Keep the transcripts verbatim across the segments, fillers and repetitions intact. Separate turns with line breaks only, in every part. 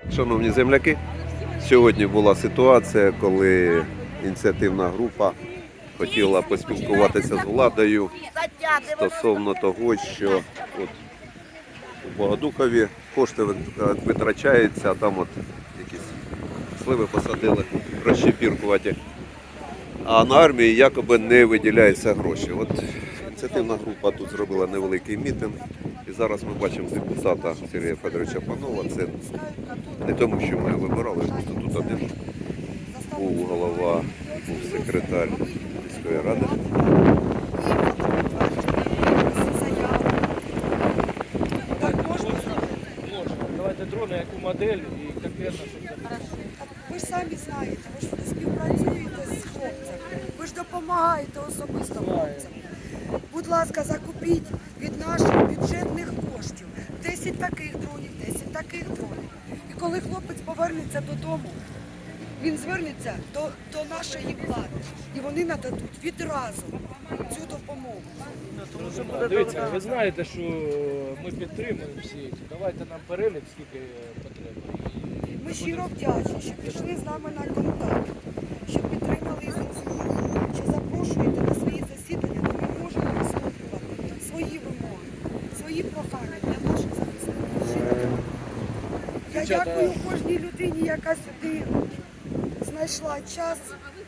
Шановні земляки, сьогодні була ситуація, коли ініціативна група хотіла поспілкуватися з владою стосовно того, що от у Богодухові кошти витрачаються, а там от якісь сливи посадили, розчепіркуваті, а на армії якоби не виділяються гроші. От ініціативна група тут зробила невеликий мітинг. І зараз ми бачимо депутата Сергія Федоровича Панова. Це не тому, що ми вибирали, просто тут один був голова, був секретар міської ради.
Давайте дрони, яку модель і конкретно, щоб це.
Ви ж самі знаєте, ви ж співпрацюєте з хлопцями, ви ж допомагаєте особисто хлопцям. Будь ласка, закупіть від наших бюджетних коштів десять таких дронів, десять таких дронів. І коли хлопець повернеться додому, він звернеться до, до нашої влади. І вони нададуть відразу цю допомогу.
Дивіться, ви знаєте, що ми підтримуємо всі. Давайте нам перелік, скільки потрібно.
Ми щиро вдячні, що пішли з нами на контакт, що підтримали і зрозуміли, що запрошуєте на свої засідання, де ми можемо висловлювати свої вимоги, свої прохання для наших захисників. Я дякую кожній людині, яка сюди знайшла час.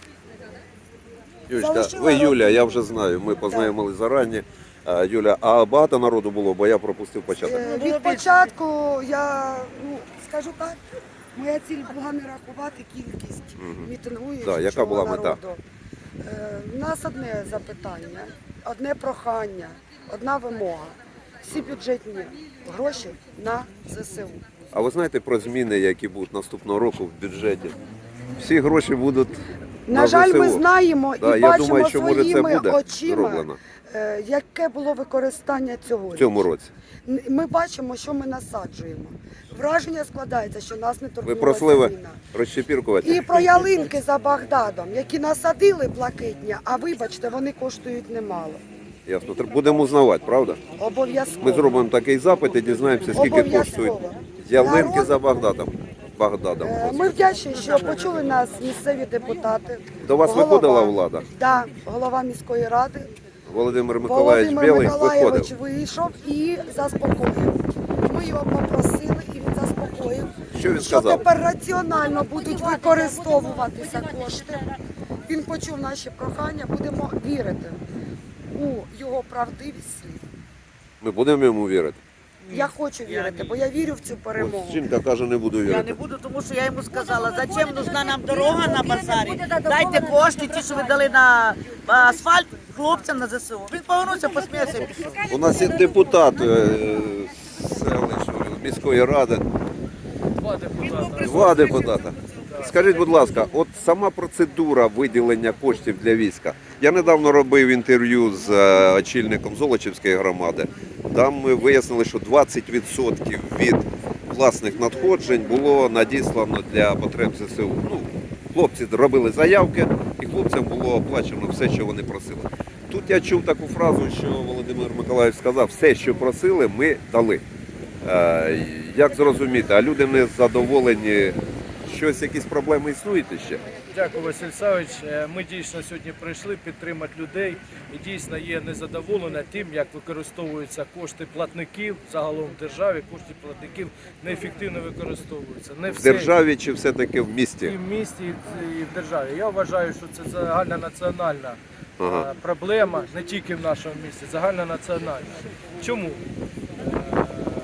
Юлечка, ви Юля, я вже знаю, ми познайомилися зарані. А, Юля, а багато народу було, бо я пропустив початок.
Е, Від початку я, ну, скажу так, моя ціль була не рахувати кількість мітингуючих.
Да, яка була мета?
народу. Е, У нас одне запитання, одне прохання, одна вимога. Всі бюджетні гроші на ЗСУ.
А ви знаєте про зміни, які будуть наступного року в бюджеті? Всі гроші будуть на,
На жаль,
ЗСУ.
ми знаємо
Да,
і
я
бачимо
думаю, що, може, це
своїми
буде
очима,
зроблено
е, яке було використання цього.
в цьому році.
Ми бачимо, що ми насаджуємо. Враження складається, що нас не
Ви
турбує
про сливи
зміна.
розчепіркувати?
І про ялинки за Багдадом, які насадили блакитні, а вибачте, вони коштують немало.
Ясно. Будемо узнавати, правда?
Обов'язково.
Ми зробимо такий запит і дізнаємося, скільки
Обов'язково.
коштують ялинки
Народ-
за Багдадом. Багдадом.
Е, Ми вдячні, що почули нас місцеві депутати.
До вас
Голова.
виходила влада?
Так, голова міської ради.
Володимир Миколаївич
Володимир
Білий
Миколаївич
виходив.
вийшов і заспокоїв. Ми його попросили, і він заспокоїв,
Що він
що
сказав?
тепер раціонально будуть використовуватися кошти. Він почув наші прохання, будемо вірити у його правдивість слів.
Ми будемо йому вірити?
Я хочу вірити, бо я вірю в цю перемогу.
Ось жінка каже, не буду
Я не
вірити.
буду, тому що я йому сказала, зачем нужна нам дорога на базарі, дайте кошти, ті, що ви дали на асфальт, хлопцям на ЗСУ. Він повернувся, посміявся і пішов.
У нас є депутат е, селищної міської ради,
Два депутати.
два депутата. Скажіть, будь ласка, от сама процедура виділення коштів для війська. Я недавно робив інтерв'ю з е, очільником Золочівської громади. Там ми вияснили, що двадцять відсотків від власних надходжень було надіслано для потреб ЗСУ. Ну, хлопці робили заявки, і хлопцям було оплачено все, що вони просили. Тут я чув таку фразу, що Володимир Миколаївич сказав, все, що просили, ми дали. Е, як зрозуміти, а люди не задоволені, щось, якісь проблеми існують ще?
Дякую, Василь Савич. Ми дійсно сьогодні прийшли підтримати людей і дійсно є незадоволена тим, як використовуються кошти платників загалом в державі. Кошти платників неефективно використовуються. Не
В
все
державі чи все-таки в
і
місті?
в місті, і в державі. Я вважаю, що це загальнонаціональна
Ага.
е, проблема, не тільки в нашому місті, загальнонаціональна. Чому? Е,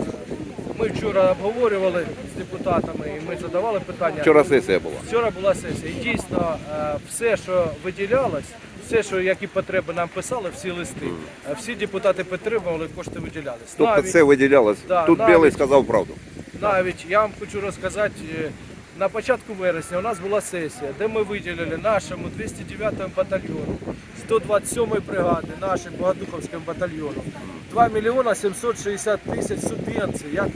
Ми вчора обговорювали з депутатами і ми задавали питання.
Вчора сесія була.
Вчора була сесія. І дійсно е, все, що виділялось, все, що які потреби нам писали, всі листи, е, всі депутати підтримували, кошти виділялись.
Тобто
Навіть-
це виділялось.
Да,
Тут
навіть-
Білий сказав правду.
Навіть я вам хочу розказати, е, на початку вересня у нас була сесія, де ми виділили нашому двісті дев'ятому батальйону, сто двадцять сьомій бригади, нашим Богодуховським батальйону, два мільйони сімсот шістдесят тисяч субвенцій, як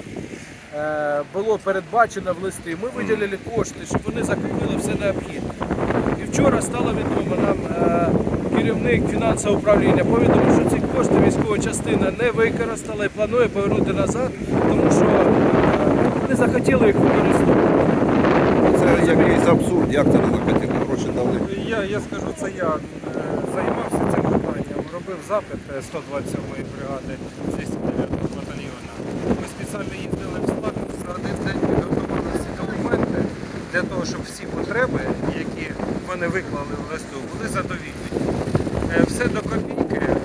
е, було передбачено в листі. Ми виділили кошти, щоб вони закупили все необхідне. І вчора стало відомо нам е, керівник фінансового управління повідомив, що ці кошти військова частина не використала і планує повернути назад, тому що е, не захотіли їх використовувати.
Це якийсь абсурд, як це не захотіли, гроші дали.
Я, я скажу, це я е, займався цим питанням, робив запит е, сто двадцять сьомої бригади двісті дев'ятого батальйону. Ми спеціально їздили в Славянськ, за один день підготували всі документи для того, щоб всі потреби, які вони виклали в листу, були задовільні. Е, Все до копійки м,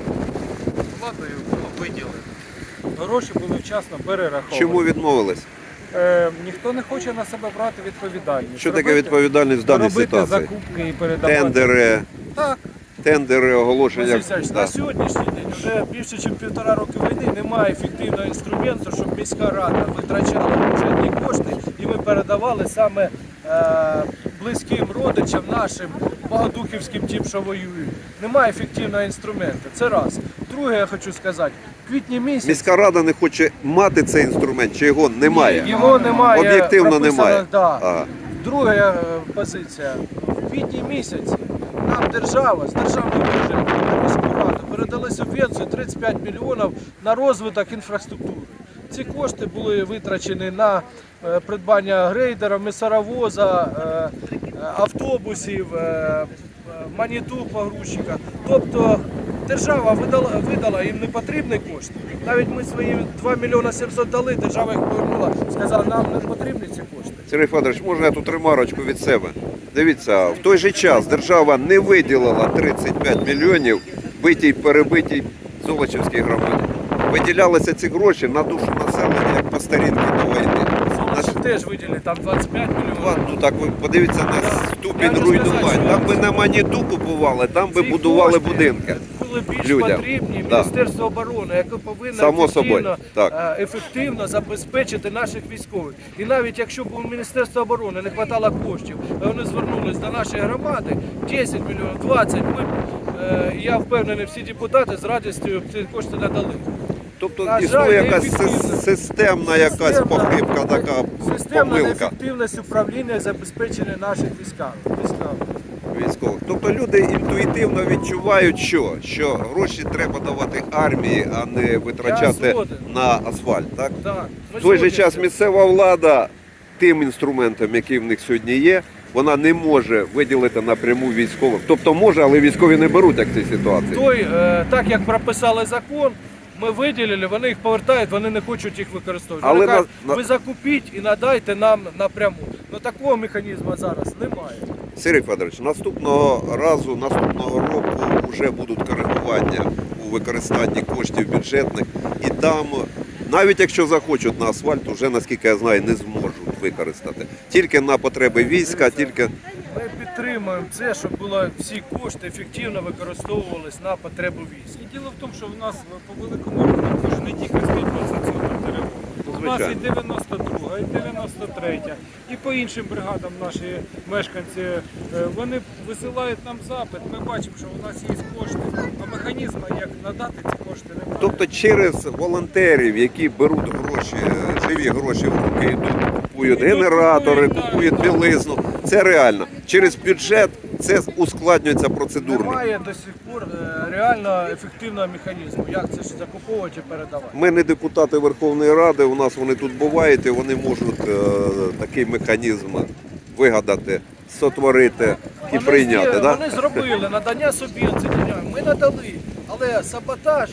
владою було виділено. Гроші були вчасно перераховані.
Чому відмовились?
Е, ніхто не хоче на себе брати відповідальність.
Що таке
Робити-
відповідальність в даній
робити
ситуації?
закупки і передавати.
Тендери,
Так.
тендери, оголошення.
Василь Олексійович,
Да.
на сьогоднішній день вже більше ніж півтора роки війни немає ефективного інструменту, щоб міська рада витрачала бюджетні кошти і ми передавали саме е, близьким родичам нашим богодухівським тим, що воюють. Немає ефективного інструменту. Це раз. Друге, я хочу сказати, в квітні місяці
Міська рада не хоче мати цей інструмент, чи його немає?
його немає.
Об'єктивно
прописано,
немає.
Да.
Ага.
Друга е, позиція. В квітні місяці нам держава з державного бюджету на міську раду передали субвенцію тридцять п'ять мільйонів на розвиток інфраструктури. Ці кошти були витрачені на е, придбання грейдера, місаровоза, е, е, автобусів, е, е, маніту погрузчика. Тобто держава видала, видала їм непотрібні кошти. Навіть ми свої два мільйони сімсот дали, держава їх повернула, сказала, нам не потрібні ці кошти.
Сергій Федорович, можна я тут ремарочку від себе? Дивіться, в той же час держава не виділила тридцять п'ять мільйонів битій, перебитій Золочівській громаді. Виділялися ці гроші на душу населення, як по старінки до війни. На
Наші теж виділили, там двадцять п'ять мільйонів.
Ну так ви подивіться на
Я
ступінь
вже
руйнування.
сказав,
Там би
що-
на маніту купували, там би
Ці
будували
кошти
будинки.
Були більш
людям.
потрібні
Да.
Міністерство оборони, яке повинно
Само
ефективно,
собою, так.
е, ефективно забезпечити наших військових. І навіть якщо б у Міністерства оборони не вистачало коштів, а вони звернулись до нашої громади, десять мільйонів, двадцять, ми, б, е, я впевнений, всі депутати з радістю ці кошти надали.
Тобто
На жаль,
існує якась
неефективно.
сис- системна якась
Системна-
похибка, така
Системна
помилка
неефективність управління і забезпечення наших війська. війська.
військових. Тобто люди інтуїтивно відчувають, що, що гроші треба давати армії, а не витрачати
Я згоден.
на асфальт. Так?
Так. Ми
В той же
сьогодні
час
це-
місцева влада тим інструментом, який в них сьогодні є, вона не може виділити напряму військових. Тобто може, але військові не беруть як в цій ситуації.
Той, е, так як прописали закон, ми виділили, вони їх повертають, вони не хочуть їх використовувати.
Але
Вони кажуть,
на-
ви закупіть і надайте нам напряму. Ну такого механізму зараз немає.
Сергій Федорович, наступного разу, наступного року вже будуть коригування у використанні коштів бюджетних, і там, навіть якщо захочуть на асфальт, вже, наскільки я знаю, не зможуть використати. Тільки на потреби війська, тільки
Ми підтримуємо це, щоб було всі кошти ефективно використовувалися на потребу військ.
І діло в тому, що в нас по великому рахунку ж не тільки сто двадцять сьома територія. У нас і
Звичайно.
дев'яносто друга, і дев'яносто третя, і по іншим бригадам наші мешканці, е, вони висилають нам запит, ми бачимо, що у нас є кошти, а механізму, як надати ці кошти, немає.
тобто через волонтерів, які беруть гроші, живі гроші в руки, йдуть, купують
Йдуть,
генератори,
купують, так,
купують
так.
білизну. Це реально. Через бюджет це ускладнюється процедурно.
Немає до сих пор е, реально ефективного механізму, як це ж закуповувати і передавати.
Ми не депутати Верховної Ради, у нас вони тут бувають, і вони можуть е, такий механізм вигадати, сотворити і
Вони
прийняти.
зі-
Да?
Вони зробили надання субвенцій, ми надали, але саботаж,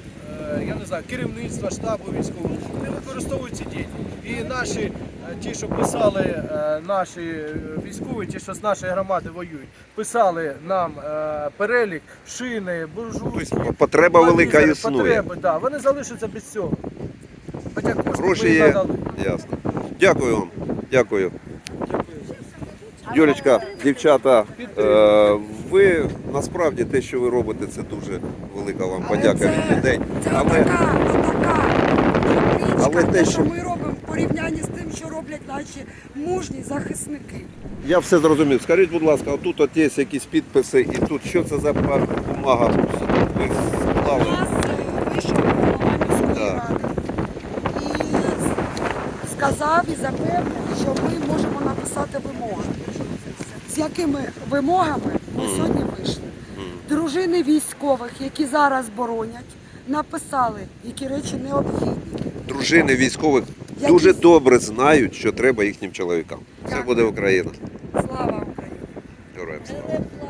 е, я не знаю, керівництва, штабу військового, не використовують ці дії. І наші, е, ті, що писали, е, наші е, військові, ті, що з нашої громади воюють, писали нам е, перелік, шини, буржуйки.
Тобто потреба велика
телевізори,
існує.
Потреби, да, вони залишаться без цього. Хоча кошти
Гроші
ми
є.
надали.
Ясно. Дякую вам. Дякую. Юлічка, дівчата, е, ви насправді те, що ви робите, це дуже велика вам подяка
це,
від людей.
Це
Але
така, така
Але
але
те,
те,
що-
що ми робимо в порівнянні з тим, що роблять наші мужні захисники.
я все зрозумів. Скажіть, будь ласка, отут от є якісь підписи, і тут що це за бумага? Ви
У
склали?
нас е, вийшов голова міської
Так.
ради і сказав і запевнив, що ми можемо написати вимоги. З якими вимогами ми сьогодні вийшли? Дружини військових, які зараз боронять, написали, які речі необхідні.
Дружини військових
які-
дуже добре знають, що треба їхнім чоловікам. Це
Дякую.
буде Україна.
Слава Україні!
Героям слава.